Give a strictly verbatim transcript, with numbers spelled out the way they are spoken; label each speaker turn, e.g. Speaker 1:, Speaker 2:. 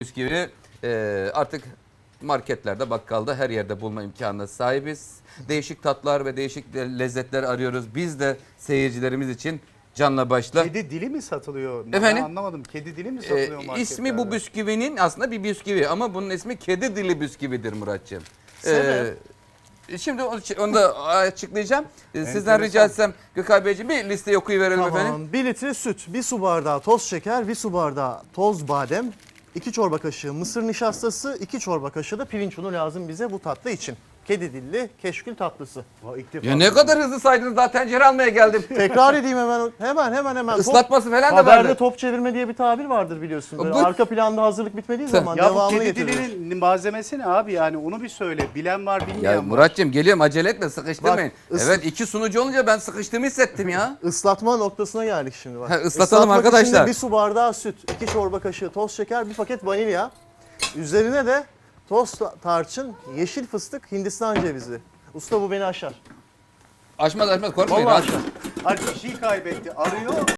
Speaker 1: Bisküvi e, artık marketlerde, bakkalda her yerde bulma imkanına sahibiz. Değişik tatlar ve değişik lezzetler arıyoruz. Biz de seyircilerimiz için canla başla.
Speaker 2: Kedi dili mi satılıyor?
Speaker 1: Efendim?
Speaker 2: Ben anlamadım. Kedi dili mi satılıyor
Speaker 1: E,
Speaker 2: marketlerde?
Speaker 1: ismi bu bisküvinin aslında bir bisküvi ama bunun ismi kedi dili bisküvidir Muratcığım.
Speaker 2: Sebep?
Speaker 1: E, şimdi onu, onu da açıklayacağım. E, Sizden
Speaker 2: Enteresan.
Speaker 1: rica etsem Gökay Beyciğim bir listeyi okuyuverelim efendim.
Speaker 3: Tamam. bir litre süt, bir su bardağı toz şeker, bir su bardağı toz badem, iki çorba kaşığı mısır nişastası, iki çorba kaşığı da pirinç unu lazım bize bu tatlı için. Kedi dilli keşkül tatlısı.
Speaker 2: Aa, ilk defa
Speaker 1: Ya ne
Speaker 2: duydum.
Speaker 1: kadar hızlı saydınız, daha tencere almaya geldim.
Speaker 3: Tekrar edeyim hemen hemen hemen hemen.
Speaker 1: Islatması falan da
Speaker 3: Haberde
Speaker 1: vardı.
Speaker 3: top çevirme diye bir tabir vardır biliyorsun. Böyle
Speaker 1: Bu-
Speaker 3: arka planda hazırlık bitmediği zaman
Speaker 2: Ya bu
Speaker 3: devamını
Speaker 2: kedi
Speaker 3: getirilir.
Speaker 2: dilinin malzemesi ne abi, yani onu bir söyle. Bilen var, bilmeyen
Speaker 1: Ya
Speaker 2: var.
Speaker 1: Muratcığım geliyorum, acele etme, sıkıştırmayın.
Speaker 3: Bak, ıs-
Speaker 1: Evet, iki sunucu olunca ben sıkıştığımı hissettim ya.
Speaker 3: Islatma noktasına geldik şimdi bak.
Speaker 1: Ha, ıslatalım
Speaker 3: Islatmak için de
Speaker 1: arkadaşlar.
Speaker 3: bir su bardağı süt, iki çorba kaşığı toz şeker, bir paket vanilya. Üzerine de toz tarçın, yeşil fıstık, Hindistan cevizi. Usta bu beni aşar.
Speaker 1: Aşmaz aşmaz, korkmayın.
Speaker 3: Vallahi
Speaker 1: rahat.
Speaker 3: aşar.
Speaker 2: Ay, kişiyi kaybetti. Arıyor.